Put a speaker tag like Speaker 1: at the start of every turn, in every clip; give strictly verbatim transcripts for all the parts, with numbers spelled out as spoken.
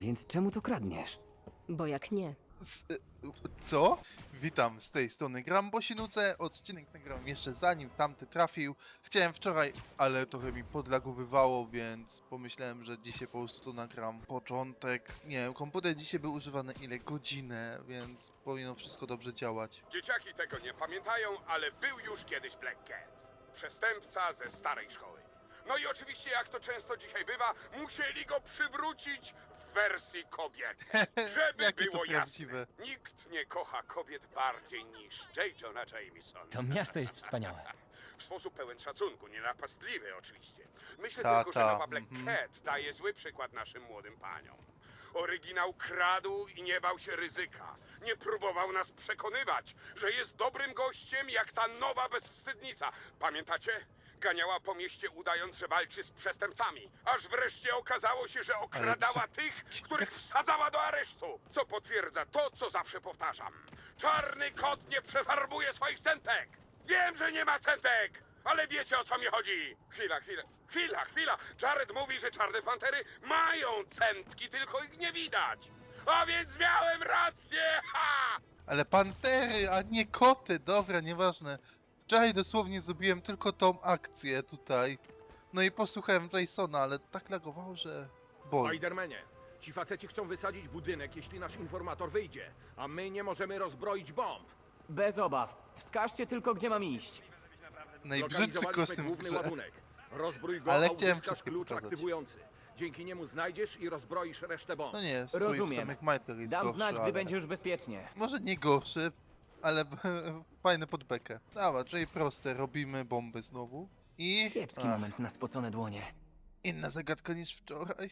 Speaker 1: Więc czemu to kradniesz?
Speaker 2: Bo jak nie,
Speaker 3: Z, y, co? Witam, z tej strony Gram, bo się nudzę. Odcinek nagrałem jeszcze zanim tamty trafił. Chciałem wczoraj, ale trochę mi podlagowywało, więc pomyślałem, że dzisiaj po prostu nagram początek. Nie wiem, komputer dzisiaj był używany ile? Godzinę, więc powinno wszystko dobrze działać.
Speaker 4: Dzieciaki tego nie pamiętają, ale był już kiedyś Black Cat. Przestępca ze starej szkoły. No i oczywiście, jak to często dzisiaj bywa, musieli go przywrócić w wersji kobiecej. Żeby
Speaker 3: Jakie to
Speaker 4: było
Speaker 3: prawdziwe.
Speaker 4: jasne, nikt nie kocha kobiet bardziej niż J. Jonah Jameson.
Speaker 5: To miasto jest wspaniałe.
Speaker 4: W sposób pełen szacunku, nienapastliwy oczywiście. Myślę
Speaker 3: Ta,
Speaker 4: tylko,
Speaker 3: ta,
Speaker 4: że nowa Black
Speaker 3: mhm.
Speaker 4: Cat daje zły przykład naszym młodym paniom. Oryginał kradł i nie bał się ryzyka. Nie próbował nas przekonywać, że jest dobrym gościem jak ta nowa bezwstydnica. Pamiętacie? Ganiała po mieście udając, że walczy z przestępcami. Aż wreszcie okazało się, że okradała tych, których wsadzała do aresztu. Co potwierdza to, co zawsze powtarzam. Czarny kot nie przefarbuje swoich centek. Wiem, że nie ma centek, ale wiecie, o co mi chodzi. Chwila, chwila, chwila, chwila. Jared mówi, że czarne pantery mają centki, tylko ich nie widać. A więc miałem rację! Ha!
Speaker 3: Ale pantery, a nie koty, dobra, nieważne. Wczoraj dosłownie zrobiłem tylko tą akcję tutaj. No i posłuchałem Jasona, ale tak lagowało, że... boli.
Speaker 6: Spidermanie, ci faceci chcą wysadzić budynek, jeśli nasz informator wyjdzie, a my nie możemy rozbroić bomb.
Speaker 1: Bez obaw. Wskażcie tylko, gdzie mam iść.
Speaker 3: Najbrzydszy
Speaker 6: Zlokalizowaliśmy
Speaker 3: kostium w
Speaker 6: główny
Speaker 3: grze.
Speaker 6: ładunek. Rozbrój go,
Speaker 3: Ale
Speaker 6: a
Speaker 3: chciałem
Speaker 6: uzyskasz
Speaker 3: wszystkie
Speaker 6: klucz
Speaker 3: pokazać.
Speaker 6: aktywujący. Dzięki niemu znajdziesz i rozbroisz resztę bomb.
Speaker 3: No nie, strój w
Speaker 1: Rozumiem.
Speaker 3: samych majtkach jest
Speaker 1: Dam
Speaker 3: gorszy,
Speaker 1: znać, gdy
Speaker 3: ale...
Speaker 1: będzie już bezpiecznie.
Speaker 3: Może nie gorszy, ale fajny pod bekę. Dobra, czyli proste, robimy bomby znowu. I...
Speaker 1: Kiepski
Speaker 3: Ach,
Speaker 1: moment na spocone dłonie.
Speaker 3: inna zagadka niż wczoraj.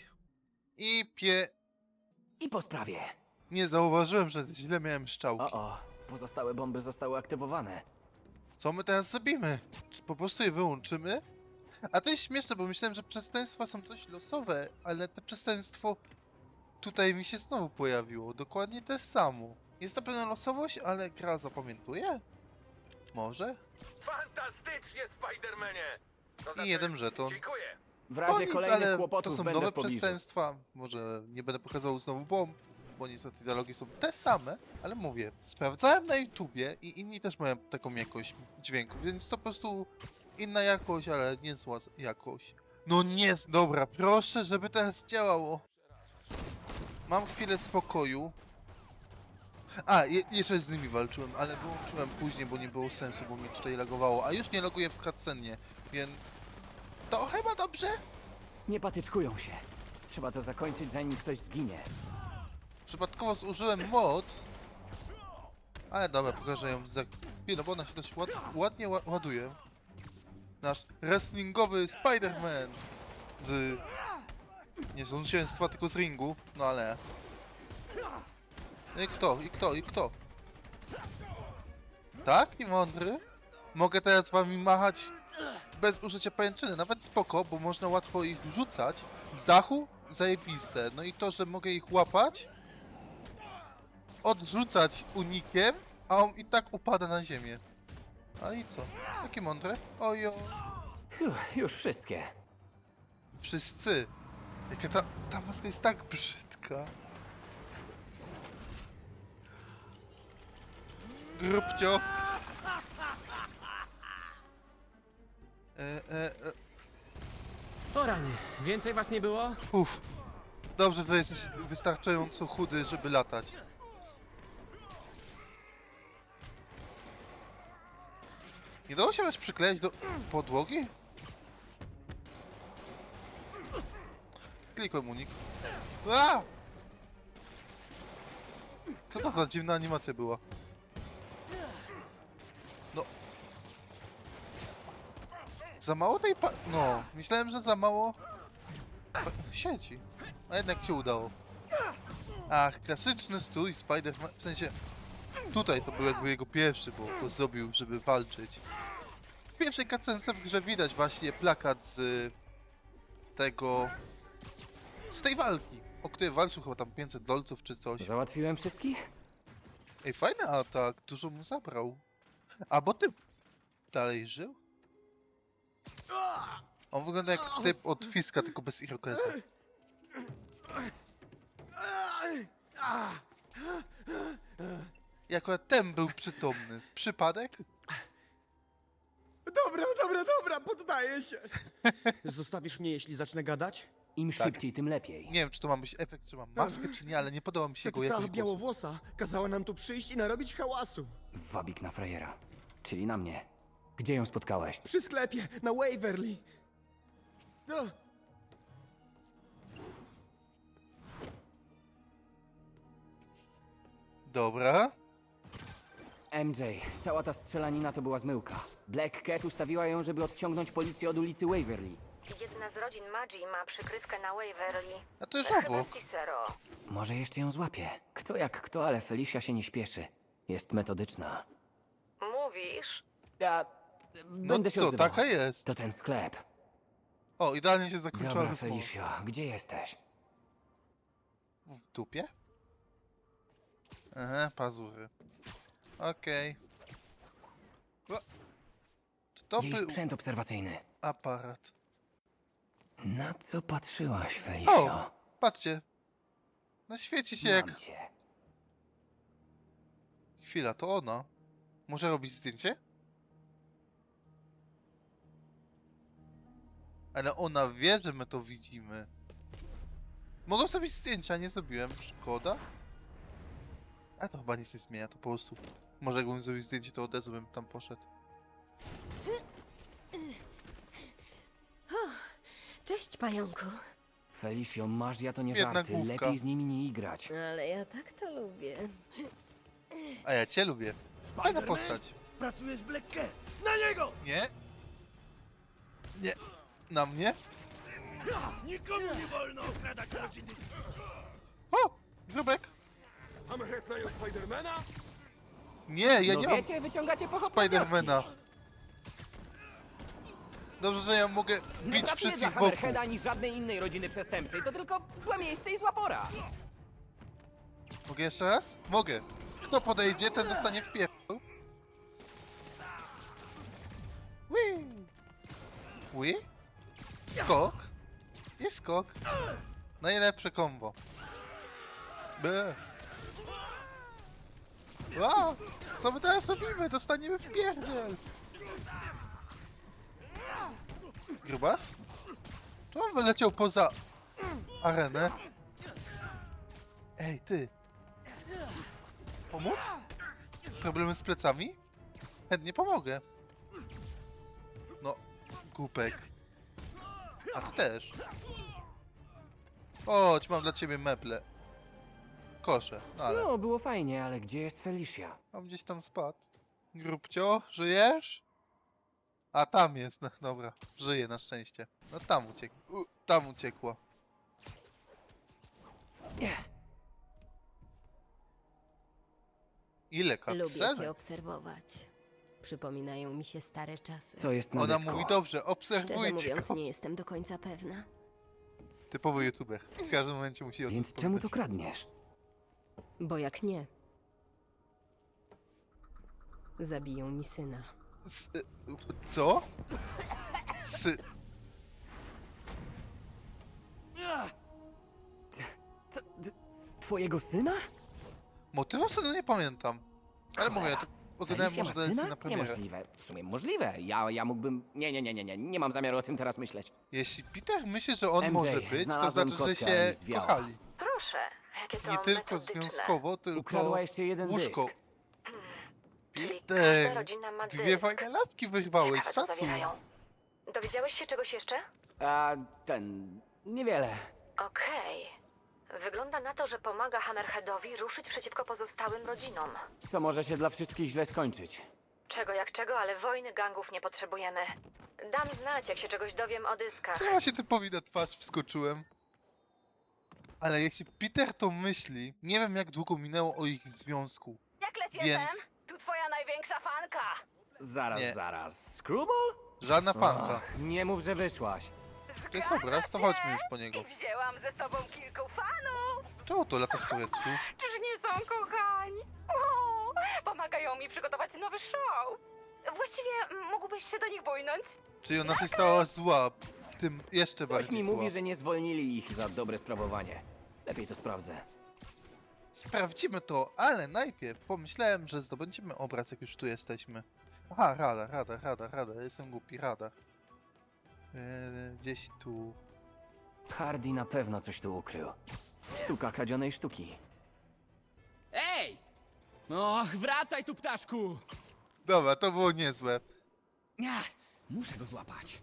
Speaker 3: I pie...
Speaker 1: I po sprawie.
Speaker 3: Nie zauważyłem, że źle miałem szczałki.
Speaker 1: O, o. Pozostałe bomby zostały aktywowane.
Speaker 3: Co my teraz zrobimy? Czy po prostu je wyłączymy? A to jest śmieszne, bo myślałem, że przestępstwa są dość losowe, ale to przestępstwo tutaj mi się znowu pojawiło. Dokładnie to samo. Jest na pewno losowość, ale gra zapamiętuje? Może?
Speaker 6: Fantastycznie, Spidermanie! To
Speaker 3: I jeden żeton.
Speaker 6: Dziękuję.
Speaker 1: W
Speaker 3: To
Speaker 1: razie
Speaker 3: nic,
Speaker 1: kolejnych
Speaker 3: ale to
Speaker 1: kłopotów
Speaker 3: są
Speaker 1: będę
Speaker 3: nowe
Speaker 1: w pobliżu.
Speaker 3: przestępstwa. Może nie będę pokazał znowu bomb, bo niestety dialogi są te same, ale mówię, sprawdzałem na YouTubie i inni też mają taką jakość dźwięku, więc to po prostu inna jakość, ale nie zła jakość. No nie, dobra, proszę, żeby teraz działało. Mam chwilę spokoju. A, je jeszcze z nimi walczyłem, ale wyłączyłem później, bo nie było sensu, bo mi tutaj lagowało, a już nie laguję w cutscenie, więc to chyba dobrze?
Speaker 1: Nie patyczkują się. Trzeba to zakończyć, zanim ktoś zginie.
Speaker 3: Przypadkowo zużyłem moc. Ale dobra, pokażę ją za chwilę, bo ona się dość ład ładnie ła ładuje. Nasz wrestlingowy Spider-Man z... nie z zwycięstwa, tylko z ringu. No ale... I kto? I kto? I kto? Tak? I mądry? Mogę teraz z wami machać bez użycia pajęczyny. Nawet spoko, bo można łatwo ich rzucać. Z dachu? Zajebiste. No i to, że mogę ich łapać, odrzucać unikiem, a on i tak upada na ziemię. A i co? Takie mądre? Ojo.
Speaker 1: Uff, już wszystkie.
Speaker 3: Wszyscy. Jaka ta, ta maska jest tak brzydka. Grubcio. E, e, e.
Speaker 5: O rany, więcej was nie było?
Speaker 3: Uff. Dobrze, że jesteś wystarczająco chudy, żeby latać. Nie dało się was przykleić do podłogi? Klikłem unik. A! Co to za dziwna animacja była? No. Za mało tej pa... No, myślałem, że za mało... pa- sieci. A jednak się udało. Ach, klasyczny stój Spider-Man, w sensie... Tutaj to był jakby jego pierwszy, bo go zrobił, żeby walczyć. W pierwszej cutscence w grze widać właśnie plakat z tego... z tej walki, o której walczył chyba tam pięćset dolców czy coś.
Speaker 1: Załatwiłem wszystkich?
Speaker 3: Ej, fajny atak, dużo mu zabrał. A bo ty dalej żył? On wygląda jak typ od Fiska, tylko bez irokeza. I akurat ten był przytomny. Przypadek?
Speaker 2: Dobra, dobra, dobra, poddaję się. Zostawisz mnie, jeśli zacznę gadać?
Speaker 1: Im
Speaker 3: Tak.
Speaker 1: szybciej, tym lepiej.
Speaker 3: Nie wiem, czy to ma być efekt, czy mam maskę, czy nie, ale nie podoba mi się
Speaker 2: Ta,
Speaker 3: jego
Speaker 2: ta
Speaker 3: jakość głosu.
Speaker 2: białowłosa kazała nam tu przyjść i narobić hałasu.
Speaker 1: Wabik na frajera. Czyli na mnie. Gdzie ją spotkałeś?
Speaker 2: Przy sklepie, na Waverly. No,
Speaker 3: Dobra.
Speaker 1: M J, cała ta strzelanina to była zmyłka. Black Cat ustawiła ją, żeby odciągnąć policję od ulicy Waverly.
Speaker 7: Jedna z rodzin Magi ma przykrywkę na Waverly.
Speaker 3: A to już
Speaker 7: Chyba
Speaker 3: obok.
Speaker 7: Cicero.
Speaker 1: Może jeszcze ją złapie. Kto jak kto, ale Felicia się nie śpieszy. Jest metodyczna.
Speaker 7: Mówisz?
Speaker 1: Ja...
Speaker 3: No
Speaker 1: Będę się
Speaker 3: co,
Speaker 1: odzywał.
Speaker 3: taka jest.
Speaker 1: To ten sklep.
Speaker 3: O, idealnie się zakończyła
Speaker 1: Dobra,
Speaker 3: rozmowa.
Speaker 1: Felicio, gdzie jesteś?
Speaker 3: W dupie? Aha, pazury. Okej. O, czy to
Speaker 1: Jej
Speaker 3: był
Speaker 1: sprzęt obserwacyjny.
Speaker 3: aparat?
Speaker 1: Na co patrzyłaś, Felicio?
Speaker 3: O, patrzcie. No świeci się
Speaker 1: Mam
Speaker 3: jak...
Speaker 1: cię.
Speaker 3: Chwila, to ona. Może robić zdjęcie? Ale ona wie, że my to widzimy. Mogą zrobić zdjęcia, nie zrobiłem. Szkoda. A to chyba nic nie zmienia, to po prostu... Może jakbym zrobił zdjęcie, to od razu bym tam poszedł.
Speaker 7: Cześć, pająku.
Speaker 1: Felicio, masz ja to nie
Speaker 3: Biedna
Speaker 1: żarty.
Speaker 3: główka.
Speaker 1: Lepiej z nimi nie igrać.
Speaker 7: Ale ja tak to lubię.
Speaker 3: A ja cię lubię. Fajna postać.
Speaker 2: pracujesz z Black Cat. Na niego!
Speaker 3: Nie? Nie. Na mnie?
Speaker 2: Nikomu nie wolno okradać rodziny.
Speaker 3: O! Grubek!
Speaker 2: Hammerhead najął Spidermana?
Speaker 3: Nie, ja
Speaker 1: no
Speaker 3: nie mam
Speaker 1: wiecie, wyciągacie pochopne
Speaker 3: Spidermana. Dobrze, że ja mogę
Speaker 1: Nie
Speaker 3: bić
Speaker 1: pracuję dla
Speaker 3: wszystkich wokół.
Speaker 1: Hammerheada ani żadnej innej rodziny przestępczej. To tylko złe miejsce i zła pora.
Speaker 3: Mogę jeszcze raz? Mogę. Kto podejdzie, ten dostanie w pierdol. Whee! Whee? Skok. I skok. Najlepsze kombo. B. A! Co my teraz robimy? Dostaniemy w pierdziel. Grubas? Czy on wyleciał poza arenę? Ej, ty. Pomóc? Problemy z plecami? Chętnie pomogę. No, głupek. A ty też. Chodź, mam dla ciebie meble. Kosze, no ale
Speaker 1: No, było fajnie, ale gdzie jest Felicia?
Speaker 3: on gdzieś tam spadł. Grubcio, żyjesz? A tam jest, no dobra, żyje na szczęście. No tam uciekł, U, tam uciekła.
Speaker 1: Nie.
Speaker 3: Ile
Speaker 7: Lubię
Speaker 3: cutscenek?
Speaker 7: cię obserwować. Przypominają mi się stare czasy.
Speaker 1: Co jest na
Speaker 3: Ona
Speaker 1: dysku?
Speaker 3: mówi dobrze,
Speaker 7: Szczerze
Speaker 3: obserwujcie
Speaker 7: mówiąc,
Speaker 3: go.
Speaker 7: nie jestem do końca pewna.
Speaker 3: Typowy youtuber. W każdym momencie musi o tym
Speaker 1: Więc czemu to
Speaker 3: wspominać.
Speaker 1: kradniesz?
Speaker 7: Bo jak nie, zabiją mi syna.
Speaker 3: S y, co? S
Speaker 1: Co, d- twojego syna?
Speaker 3: motywu sobie nie pamiętam. Ale mówię, ja to oglądałem
Speaker 1: Felicia
Speaker 3: może
Speaker 1: ma
Speaker 3: dalej
Speaker 1: syna?
Speaker 3: na premierę.
Speaker 1: Niemożliwe. W sumie możliwe. Ja, ja mógłbym... Nie, nie, nie, nie, nie. Nie mam zamiaru o tym teraz myśleć.
Speaker 3: Jeśli Peter myśli, że on
Speaker 1: M J,
Speaker 3: może być, to
Speaker 1: znalazłem
Speaker 3: znaczy, że
Speaker 1: kotka
Speaker 3: się
Speaker 1: i zwiała.
Speaker 3: kochali.
Speaker 7: Proszę, jakie to
Speaker 3: Nie tylko
Speaker 7: metodyczne.
Speaker 3: związkowo, tylko
Speaker 1: Ukradła jeszcze jeden
Speaker 3: łóżko.
Speaker 1: dysk.
Speaker 7: Czyli
Speaker 3: Peter,
Speaker 7: każda rodzina ma
Speaker 3: dwie
Speaker 7: dysk.
Speaker 3: fajne latki wyrwałeś,
Speaker 7: Ciekawe, co
Speaker 3: szacun.
Speaker 7: zawierają. Dowiedziałeś się czegoś jeszcze?
Speaker 1: A ten... Niewiele.
Speaker 7: Okej. Wygląda na to, że pomaga Hammerheadowi ruszyć przeciwko pozostałym rodzinom.
Speaker 1: To może się dla wszystkich źle skończyć.
Speaker 7: Czego jak czego, ale wojny gangów nie potrzebujemy. Dam znać, jak się czegoś dowiem o dyskach.
Speaker 3: Czemu ja się typowi na twarz wskoczyłem? Ale jeśli Peter to myśli, nie wiem jak długo minęło o ich związku.
Speaker 7: Jak leci
Speaker 3: Więc-
Speaker 7: Tu twoja największa fanka!
Speaker 1: Zaraz,
Speaker 3: Nie.
Speaker 1: zaraz. Screwball?
Speaker 3: Żadna fanka.
Speaker 1: Ach, nie mów, że wyszłaś.
Speaker 3: To jest obraz, to chodźmy już po niego.
Speaker 7: Wzięłam ze sobą kilku fanów!
Speaker 3: Czemu to lata w powietrzu?
Speaker 7: Czyż nie są kochani? O, pomagają mi przygotować nowy show. Właściwie mógłbyś się do nich bójnąć?
Speaker 3: Czyli ona się stała zła, tym jeszcze
Speaker 1: Coś
Speaker 3: bardziej
Speaker 1: mi
Speaker 3: zła.
Speaker 1: mówi, że nie zwolnili ich za dobre sprawowanie. Lepiej to sprawdzę.
Speaker 3: Sprawdzimy to, ale najpierw pomyślałem, że zdobędziemy obraz, jak już tu jesteśmy. Aha, radar, radar, radar, radar. Jestem głupi, radar. Eee, gdzieś tu...
Speaker 1: Hardy na pewno coś tu ukrył. Sztuka kradzionej sztuki.
Speaker 5: Ej! Och, wracaj tu, ptaszku!
Speaker 3: Dobra, to było niezłe.
Speaker 5: Nie, muszę go złapać.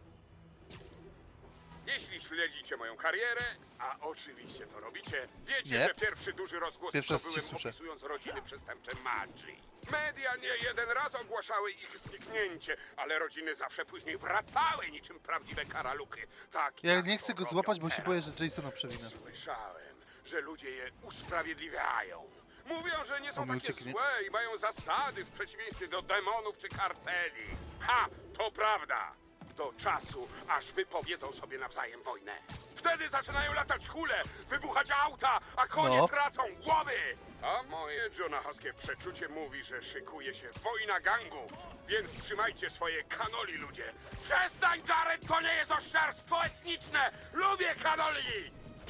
Speaker 4: Jeśli śledzicie moją karierę, a oczywiście to robicie, wiecie,
Speaker 3: Nie.
Speaker 4: że pierwszy duży rozgłos
Speaker 3: Pierwszy raz
Speaker 4: zdobyłem
Speaker 3: ci słyszę.
Speaker 4: opisując rodziny przestępcze Maggi. Media nie jeden raz ogłaszały ich zniknięcie, ale rodziny zawsze później wracały niczym prawdziwe karaluchy. Tak
Speaker 3: Ja
Speaker 4: jak
Speaker 3: nie
Speaker 4: to
Speaker 3: chcę go
Speaker 4: robią
Speaker 3: złapać, bo się
Speaker 4: teraz.
Speaker 3: boję, że Jasona przewinę.
Speaker 4: Słyszałem, że ludzie je usprawiedliwiają. Mówią, że nie
Speaker 3: O,
Speaker 4: są
Speaker 3: mi
Speaker 4: takie
Speaker 3: ucieknie.
Speaker 4: złe i mają zasady w przeciwieństwie do demonów czy karteli. Ha! To prawda! Do czasu, aż wypowiedzą sobie nawzajem wojnę. Wtedy zaczynają latać hule, wybuchać auta, a konie
Speaker 3: No.
Speaker 4: tracą głowy! A moje jonahowskie przeczucie mówi, że szykuje się wojna gangów. Więc trzymajcie swoje kanoli, ludzie. Przestań, Jared, to nie jest oszczerstwo etniczne! Lubię kanoli!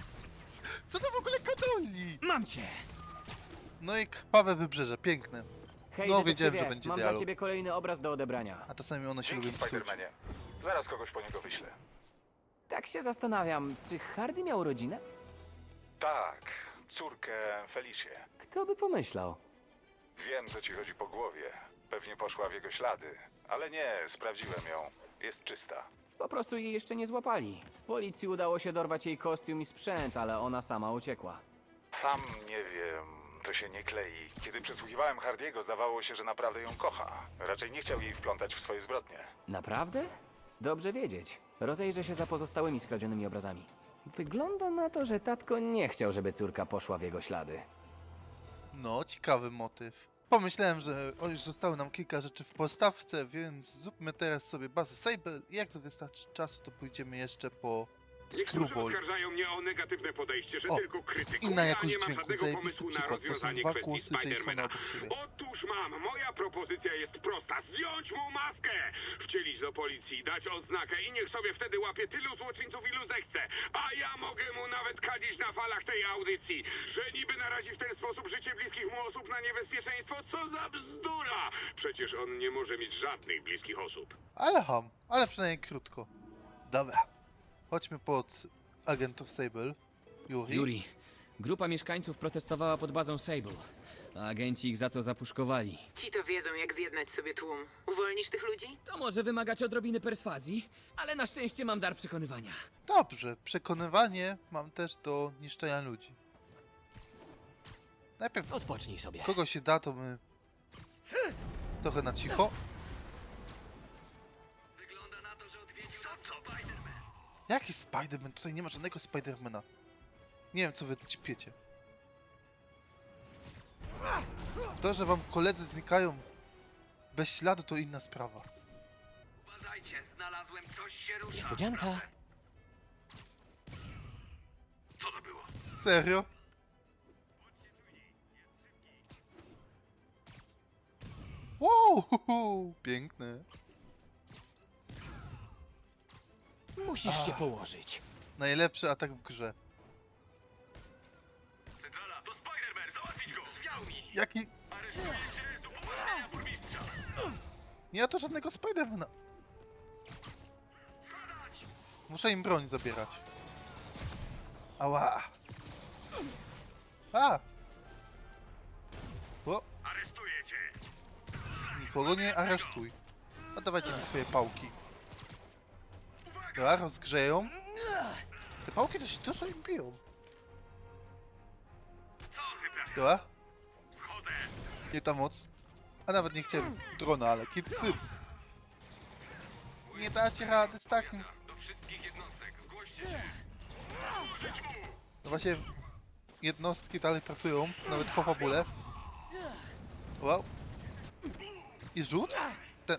Speaker 3: Co to w ogóle kadoli?
Speaker 5: Mam cię!
Speaker 3: No i krwawe wybrzeże, piękne.
Speaker 1: Hej,
Speaker 3: No, wiedziałem,
Speaker 1: detektywie,
Speaker 3: że będzie
Speaker 1: mam
Speaker 3: dialog.
Speaker 1: dla ciebie kolejny obraz do odebrania.
Speaker 3: A czasami one się
Speaker 8: Dzięki,
Speaker 3: lubią psuć.
Speaker 8: Spidermanie. Zaraz kogoś po niego wyślę.
Speaker 1: Tak się zastanawiam, czy Hardy miał rodzinę?
Speaker 8: Tak, córkę Felicję.
Speaker 1: Kto by pomyślał?
Speaker 8: Wiem, co ci chodzi po głowie. Pewnie poszła w jego ślady. Ale nie, sprawdziłem ją. Jest czysta.
Speaker 1: Po prostu jej jeszcze nie złapali. Policji udało się dorwać jej kostium i sprzęt, ale ona sama uciekła.
Speaker 8: Sam nie wiem, to się nie klei. Kiedy przesłuchiwałem Hardiego, zdawało się, że naprawdę ją kocha. Raczej nie chciał jej wplątać w swoje zbrodnie.
Speaker 1: Naprawdę? Dobrze wiedzieć. Rozejrzę się za pozostałymi skradzionymi obrazami. Wygląda na to, że tatko nie chciał, żeby córka poszła w jego ślady.
Speaker 3: No, ciekawy motyw. Pomyślałem, że o, już zostało nam kilka rzeczy w postawce, więc zróbmy teraz sobie bazę Sable i jak wystarczy czasu, to pójdziemy jeszcze po
Speaker 4: Niektórzy
Speaker 3: Screwball.
Speaker 4: oskarżają mnie o negatywne podejście, że
Speaker 3: O,
Speaker 4: tylko krytykuję,
Speaker 3: inna
Speaker 4: a
Speaker 3: jakość
Speaker 4: nie mam
Speaker 3: dźwięku,
Speaker 4: żadnego
Speaker 3: zajebisty
Speaker 4: pomysłu na
Speaker 3: przykład, bo są
Speaker 4: rozwiązanie
Speaker 3: dwa
Speaker 4: kwestii
Speaker 3: głosy Jasona
Speaker 4: Spidermana.
Speaker 3: obok siebie.
Speaker 4: Otóż mam, moja propozycja jest prosta. Zdjąć mu maskę, wcielić do policji, dać odznakę i niech sobie wtedy łapie tylu złoczyńców, ilu zechce. A ja mogę mu nawet kadzić na falach tej audycji, że niby narazi w ten sposób życie bliskich mu osób na niebezpieczeństwo. Co za bzdura! Przecież on nie może mieć żadnych bliskich osób.
Speaker 3: Ale ham, ale przynajmniej krótko. Dobra, chodźmy pod agentów Sable. Yuri.
Speaker 5: Yuri, grupa mieszkańców protestowała pod bazą Sable, a agenci ich za to zapuszkowali.
Speaker 9: Ci to wiedzą, jak zjednać sobie tłum. Uwolnisz tych ludzi?
Speaker 5: To może wymagać odrobiny perswazji, ale na szczęście mam dar przekonywania.
Speaker 3: Dobrze, przekonywanie mam też do niszczenia ludzi. Najpierw
Speaker 5: Odpocznij sobie.
Speaker 3: kogo się da, to my trochę na cicho. Jaki Spiderman? Tutaj nie ma żadnego Spidermana. Nie wiem, co wy ćpiecie. To, że wam koledzy znikają bez śladu, to inna sprawa.
Speaker 9: Uważajcie, znalazłem coś się rusza.
Speaker 5: Niespodzianka.
Speaker 9: Co to było?
Speaker 3: Serio? Wow, hu, hu, piękne.
Speaker 5: Musisz się położyć.
Speaker 3: Najlepszy atak w grze.
Speaker 9: Centrala, to Spider-Man, załatwić go! Zwiał mi!
Speaker 3: Jaki...
Speaker 9: Aresztujecie z upoważnienia burmistrza!
Speaker 3: Nie ma tu żadnego Spidermana. Muszę im broń zabierać. Ała. A! O,
Speaker 9: Aresztuję cię!
Speaker 3: nikogo nie aresztuj. A dawajcie mi swoje pałki. Dobra, rozgrzeją. Te pałki dość dużo im biją.
Speaker 9: Co on wyprawia?
Speaker 3: Dobra,
Speaker 9: Wchodzę!
Speaker 3: nie ta moc. A nawet nie chciałem drona, ale kit z tym. Nie dacie rady z takim.
Speaker 9: Do wszystkich jednostek, zgłoście się!
Speaker 3: No właśnie, jednostki dalej pracują, nawet po fabule. Wow. I rzut? Ten...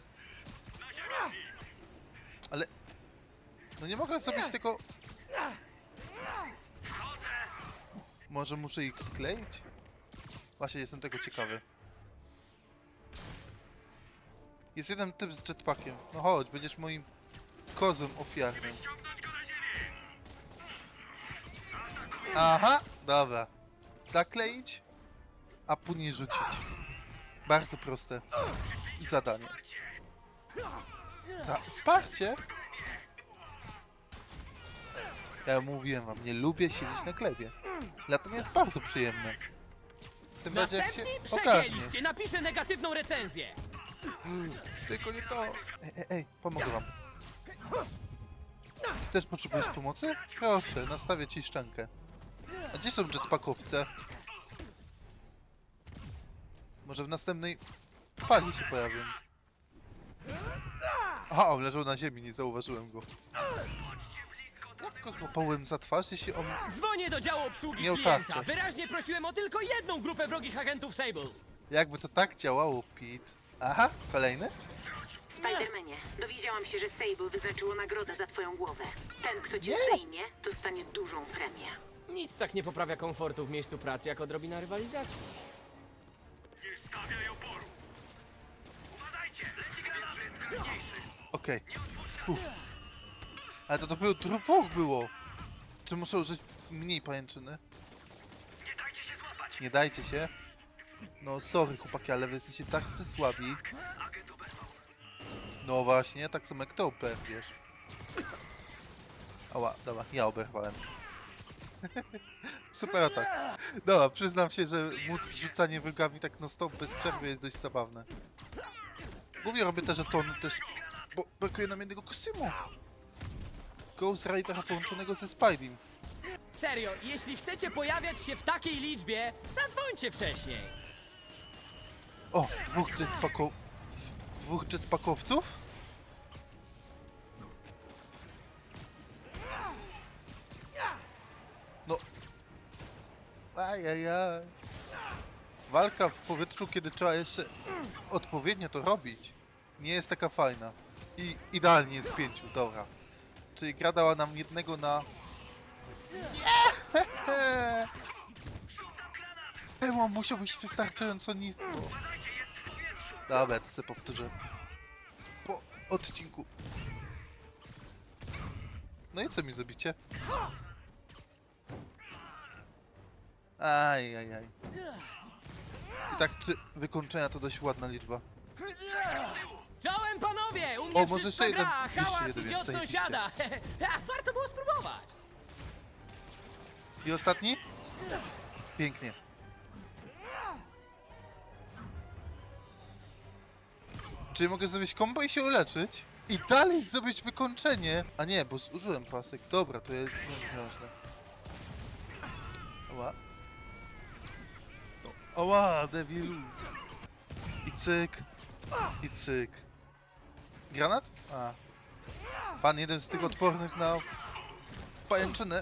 Speaker 3: Ale... No nie mogę zrobić tego... Może muszę ich skleić? Właśnie, jestem tego ciekawy. Jest jeden typ z jetpackiem. No chodź, będziesz moim kozłem ofiarnym. Aha, dobra. Zakleić a później rzucić. Bardzo proste zadanie. Za wsparcie? Ja mówiłem wam, nie lubię siedzieć na glebie. Dlatego jest bardzo przyjemne. Tym bardziej jak się ogarnie.
Speaker 5: napiszę negatywną recenzję!
Speaker 3: Tylko nie to! Ej, ej, ej, pomogę wam. Ty też potrzebujesz pomocy? Proszę, nastawię ci szczękę. A gdzie są jetpackowce? Może w następnej fali się pojawią. Aha, on leżał na ziemi, nie zauważyłem go. Jak go złapałem za twarz, jeśli on...
Speaker 5: Dzwonię do działu obsługi
Speaker 3: Miał
Speaker 5: klienta.
Speaker 3: tarczę.
Speaker 5: Wyraźnie prosiłem o tylko jedną grupę wrogich agentów Sable.
Speaker 3: Jakby to tak działało, Pete. Aha, kolejny?
Speaker 10: Spidermanie, dowiedziałam się, że Sable wyznaczyło nagrodę za twoją głowę. Ten, kto cię
Speaker 3: Nie.
Speaker 10: zdejmie, dostanie dużą premię.
Speaker 5: Nic tak nie poprawia komfortu w miejscu pracy, jak odrobina rywalizacji.
Speaker 9: Nie stawiaj oporu. Uważajcie, leci granat.
Speaker 3: Okej. Uff. Ale to dopiero dwóch było. Czy muszę użyć mniej pajęczyny?
Speaker 9: Nie dajcie się złapać.
Speaker 3: Nie dajcie się. No sorry chłopaki, ale wy jesteście tak słabi.
Speaker 9: Agent oberwał.
Speaker 3: No właśnie, tak samo jak to oberwiesz. Ała, dobra, ja oberwałem. Super atak. Dobra, przyznam się, że móc rzucanie wrogami tak no stop bez przerwy jest dość zabawne. Głównie robię te żetony też, bo brakuje nam jednego kostiumu. Ghost Ridera połączonego ze Spideym.
Speaker 5: Serio, jeśli chcecie pojawiać się w takiej liczbie, zadzwońcie wcześniej.
Speaker 3: O, dwóch jetpacko... Dwóch jetpackowców? No... Ajajaj... Walka w powietrzu, kiedy trzeba jeszcze odpowiednio to robić, nie jest taka fajna. I idealnie jest pięciu, dobra. Czyli gra dała nam jednego na... Nie! Elmo musiał być wystarczająco nisko. Dobra, to sobie powtórzę. Po odcinku. No i co mi zrobicie? Aj, aj, aj. I tak, czy wykończenia to dość ładna liczba.
Speaker 5: Czołem panowie! U mnie
Speaker 3: O, może
Speaker 5: wszystko
Speaker 3: jeszcze jeden-
Speaker 5: gra,
Speaker 3: jeszcze
Speaker 5: hałas
Speaker 3: jeden
Speaker 5: idzie
Speaker 3: jest,
Speaker 5: od
Speaker 3: zajebiście.
Speaker 5: sąsiada. Warto było spróbować.
Speaker 3: I ostatni? Pięknie. Czyli mogę zrobić combo i się uleczyć? I dalej zrobić wykończenie! A nie, bo zużyłem pasek. Dobra, to jest nieważne. Ała. No, ała, debilu. I cyk. I cyk. Granat? A. Pan jeden z tych odpornych na pajęczynę.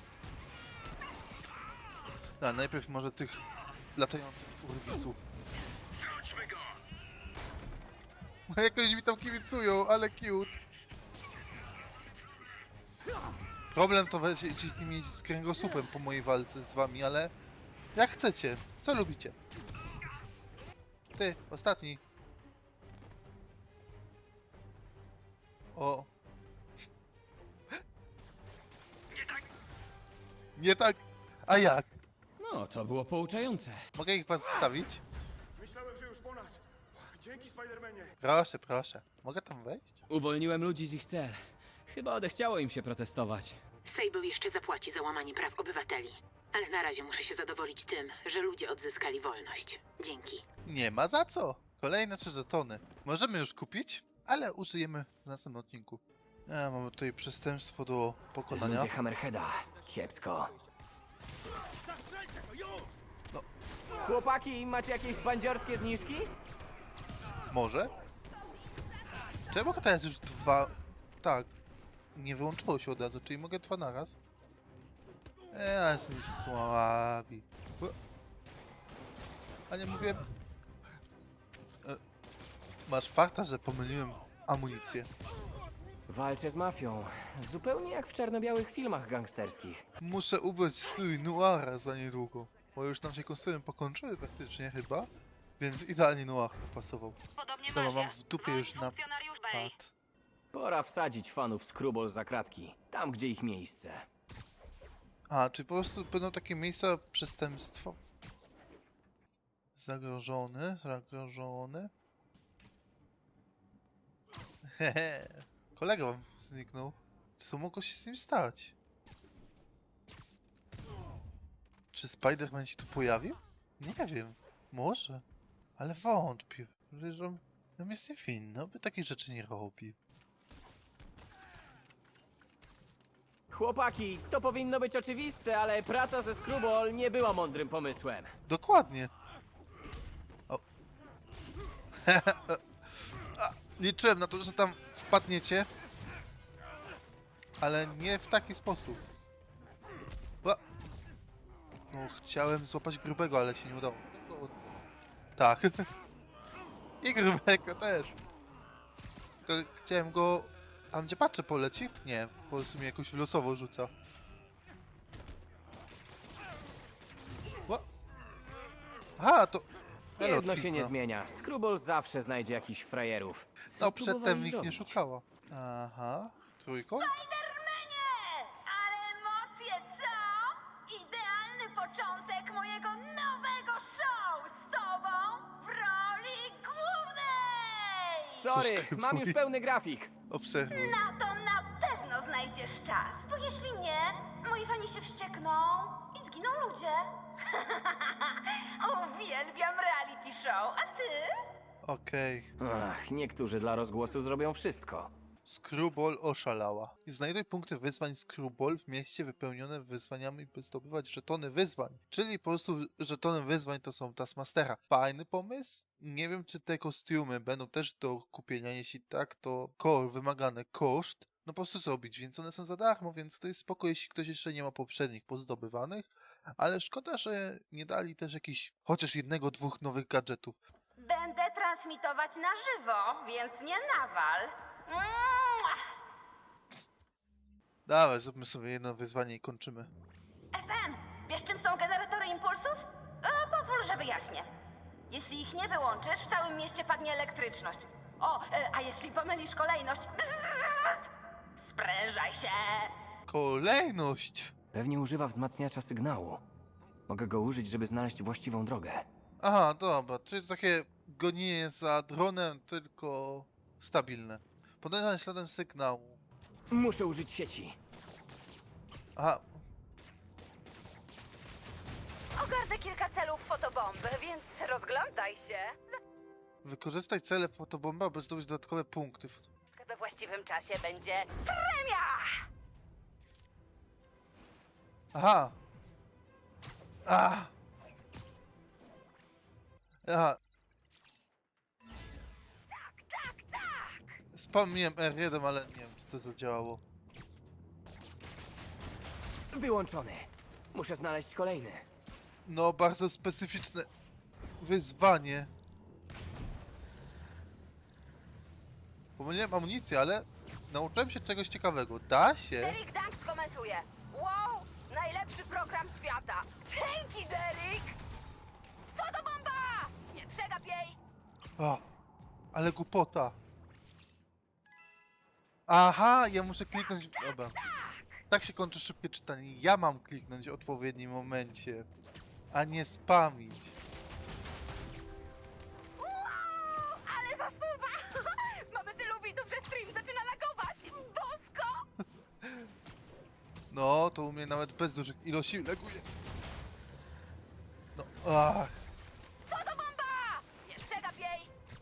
Speaker 3: A, najpierw może tych latających urwisów.
Speaker 9: Wróćmy go.
Speaker 3: Jakoś mi tam kibicują, ale cute. Problem to weź mieć z kręgosłupem po mojej walce z wami, ale jak chcecie, co lubicie. Ty, ostatni. O.
Speaker 9: Nie tak.
Speaker 3: Nie tak, a jak?
Speaker 5: No, to było pouczające.
Speaker 3: Mogę ich was zostawić?
Speaker 6: Myślałem, że już po nas. Dzięki, Spidermanie.
Speaker 3: Proszę, proszę. Mogę tam wejść?
Speaker 5: Uwolniłem ludzi z ich cel. Chyba odechciało im się protestować.
Speaker 10: Sable jeszcze zapłaci za łamanie praw obywateli. Ale na razie muszę się zadowolić tym, że ludzie odzyskali wolność. Dzięki.
Speaker 3: Nie ma za co. Kolejne trzy żetony. Możemy już kupić, ale użyjemy w następnym odcinku. A, mamy tutaj przestępstwo do pokonania.
Speaker 1: Ludzie Hammerheada. Kiepsko.
Speaker 3: No.
Speaker 1: Chłopaki, macie jakieś bandziorskie zniżki?
Speaker 3: Może? Czy ja mogę teraz już dwa... Tak. Nie wyłączyło się od razu, czyli mogę dwa naraz. Eee, ale są słabi. O. A nie mówię... E, masz farta, że pomyliłem amunicję.
Speaker 1: Walczę z mafią. Zupełnie jak w czarno-białych filmach gangsterskich.
Speaker 3: Muszę ubrać strój noira za niedługo. Bo już nam się kostiumy pokończyły praktycznie chyba. Więc idealnie noir pasował.
Speaker 10: Podobnie
Speaker 3: Dobra, mam w dupie już na pad.
Speaker 1: Pora wsadzić fanów Scrubble za kratki. Tam, gdzie ich miejsce.
Speaker 3: A, czy po prostu będą takie miejsca przestępstwa? Zagrożony, zagrożony. Hehe. Kolega wam zniknął. Co mogło się z nim stać? Czy Spider-Man się tu pojawił? Nie wiem. Może. Ale wątpię. Że on on jest niewinny, by takich rzeczy nie robił.
Speaker 1: Chłopaki, to powinno być oczywiste, ale praca ze Screwball nie była mądrym pomysłem.
Speaker 3: Dokładnie. O. A, liczyłem na to, że tam wpadniecie. Ale nie w taki sposób. Ła. No, chciałem złapać grubego, ale się nie udało. No, tak. I grubego też. Tylko chciałem go... Tam gdzie patrzę poleci? Nie, po prostu mnie jakoś losowo rzuca. Ła. Aha, to... Ale
Speaker 1: Jedno się nie
Speaker 3: odwizna.
Speaker 1: zmienia. Screwball zawsze znajdzie jakichś frajerów. Co
Speaker 3: No przedtem
Speaker 1: próbowali
Speaker 3: ich nie
Speaker 1: zrobić?
Speaker 3: szukała. Aha, trójkąt?
Speaker 7: Ale emocje, co? Idealny początek mojego nowego show z tobą w roli głównej!
Speaker 1: Sorry,
Speaker 3: Troszkę
Speaker 1: mam już
Speaker 3: mówi.
Speaker 1: pełny grafik.
Speaker 3: Obserwuj.
Speaker 7: Na to na pewno znajdziesz czas, bo jeśli nie, moi fani się wściekną i zginą ludzie. Uwielbiam reality show, a ty?
Speaker 3: Okej.
Speaker 1: Ach, niektórzy dla rozgłosu zrobią wszystko.
Speaker 3: Screwball oszalała. Znajduj punkty wyzwań Screwball w mieście wypełnione wyzwaniami, by zdobywać żetony wyzwań. Czyli po prostu żetony wyzwań to są Taskmastera. Fajny pomysł. Nie wiem, czy te kostiumy będą też do kupienia. Jeśli tak, to core wymagany koszt. No po prostu zrobić, więc one są za darmo, więc to jest spoko, jeśli ktoś jeszcze nie ma poprzednich pozdobywanych. Ale szkoda, że nie dali też jakichś chociaż jednego, dwóch nowych gadżetów.
Speaker 7: Będę transmitować na żywo, więc nie nawal. Mua!
Speaker 3: Dawaj, zróbmy sobie jedno wyzwanie i kończymy.
Speaker 7: F M, wiesz czym są generatory impulsów? E, pozwól, że wyjaśnię. Jeśli ich nie wyłączysz, w całym mieście padnie elektryczność. O, e, a jeśli pomylisz kolejność... Sprężaj się!
Speaker 3: Kolejność!
Speaker 1: Pewnie używa wzmacniacza sygnału. Mogę go użyć, żeby znaleźć właściwą drogę.
Speaker 3: Aha, dobra, czyli to takie gonienie za dronem, tylko stabilne. Podążanie śladem sygnału.
Speaker 1: Muszę użyć sieci.
Speaker 3: Aha,
Speaker 7: Ogarnę kilka celów fotobomby, więc rozglądaj się.
Speaker 3: wykorzystaj cele fotobomba, aby zdobyć dodatkowe punkty.
Speaker 7: We właściwym czasie będzie premia!
Speaker 3: Aha! A! Aha.
Speaker 7: Tak, tak!
Speaker 3: Spamiłem R jeden, ale nie wiem, czy to zadziałało.
Speaker 1: Wyłączony. Muszę znaleźć kolejny.
Speaker 3: No, bardzo specyficzne wyzwanie. Pomyliłem amunicję, ale nauczyłem się czegoś ciekawego. Da się?
Speaker 7: Derek Dank skomentuje. Wow, najlepszy program świata. Dzięki, Derek! Fotobomba! Nie przegap jej!
Speaker 3: A, ale głupota. Aha, ja muszę kliknąć... Dobra. Tak się kończy szybkie czytanie. Ja mam kliknąć w odpowiednim momencie, a nie spamić.
Speaker 7: Wow, ale zasuwa! Mamy tylu widzów, że stream zaczyna lagować! Bosko!
Speaker 3: No, to u mnie nawet bez dużych ilości laguje. No, ach.
Speaker 7: Fotobomba! Nie przegap jej!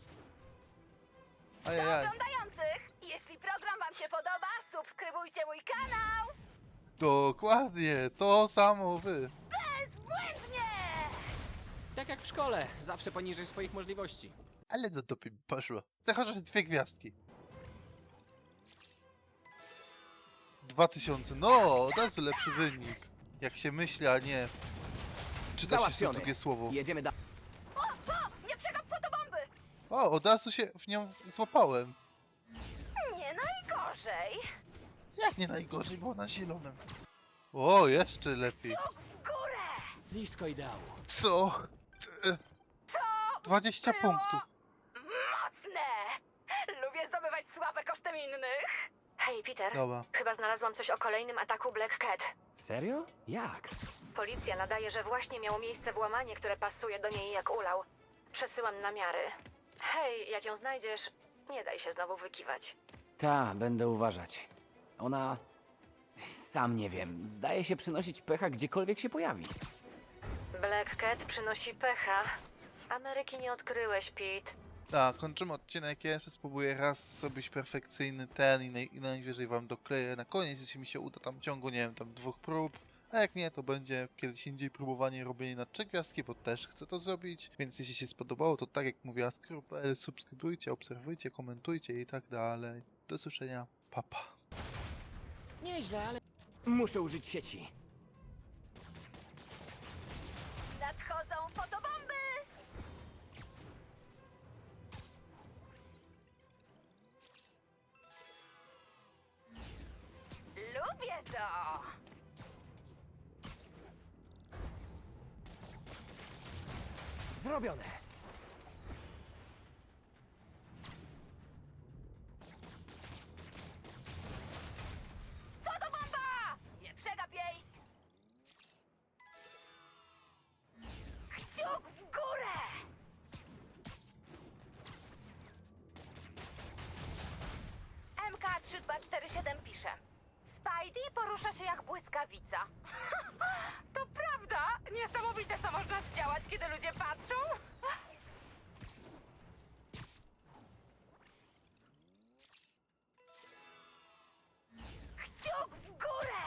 Speaker 7: Do
Speaker 3: Ajajaj.
Speaker 7: oglądających! Jeśli program wam się podoba, subskrybujcie mój kanał!
Speaker 3: Dokładnie, to samo wy.
Speaker 7: Bezbłędnie!
Speaker 5: Tak jak w szkole, zawsze poniżej swoich możliwości.
Speaker 3: Ale do dupy mi poszło. Chcę chociaż dwie gwiazdki. Dwa tysiące, no, od razu lepszy wynik. Jak się myśli, a nie czyta się to
Speaker 1: Załatwiony.
Speaker 3: drugie słowo.
Speaker 1: Jedziemy dalej.
Speaker 7: O, o! Nie przegap fotobomby!
Speaker 3: O, od razu się w nią złapałem.
Speaker 7: Nie najgorzej.
Speaker 3: Jak nie najgorzej, było na zielonym. O, jeszcze lepiej.
Speaker 7: W górę!
Speaker 5: Blisko ideału.
Speaker 3: Co? E,
Speaker 7: To
Speaker 3: dwadzieścia
Speaker 7: było
Speaker 3: punktów.
Speaker 7: mocne! Lubię zdobywać sławę kosztem innych. Hej, Peter.
Speaker 3: Dobra.
Speaker 7: Chyba znalazłam coś o kolejnym ataku Black Cat.
Speaker 1: Serio? Jak?
Speaker 7: Policja nadaje, że właśnie miało miejsce włamanie, które pasuje do niej jak ulał. Przesyłam namiary. Hej, jak ją znajdziesz, nie daj się znowu wykiwać.
Speaker 1: Ta, będę uważać. Ona... Sam nie wiem. Zdaje się przynosić pecha gdziekolwiek się pojawi.
Speaker 7: Black Cat przynosi pecha. Ameryki nie odkryłeś, Pete.
Speaker 3: Tak, kończymy odcinek. Ja jeszcze spróbuję raz zrobić perfekcyjny ten i, naj, i najwyżej wam dokleję na koniec, jeśli mi się uda tam w ciągu, nie wiem, tam dwóch prób. A jak nie, to będzie kiedyś indziej próbowanie robienia na trzy gwiazdki, bo też chcę to zrobić. Więc jeśli się spodobało, to tak jak mówiła Skrupe, subskrybujcie, obserwujcie, komentujcie i tak dalej. Do usłyszenia. Pa, pa.
Speaker 1: Nieźle, ale... Muszę użyć sieci.
Speaker 7: Nadchodzą fotobomby! Lubię to!
Speaker 1: Zrobione.
Speaker 7: Fotobomba! Nie przegap jej! Kciuk w górę! M K trzy dwa cztery siedem pisze. Spidey porusza się jak błyskawica. To prawda? Niesamowite, co można zdziałać, kiedy ludzie patrzą. Kciuk w górę!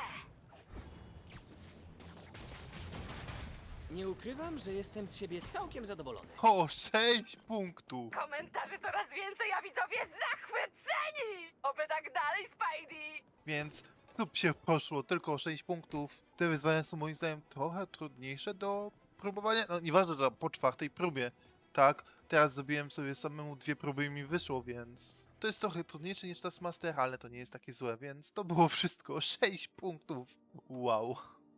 Speaker 5: Nie ukrywam, że jestem z siebie całkiem zadowolony.
Speaker 3: O, sześć punktów!
Speaker 7: Komentarzy coraz więcej, a widzowie zachwyceni! Oby tak dalej, Spidey!
Speaker 3: Więc sub się poszło, tylko o sześć punktów. Te wyzwania są moim zdaniem trochę trudniejsze do próbowania. No nieważne, że po czwartej próbie, tak? Teraz zrobiłem sobie samemu dwie próby i mi wyszło, więc... To jest trochę trudniejsze niż Taskmaster, ale to nie jest takie złe, więc to było wszystko. sześć punktów. Wow.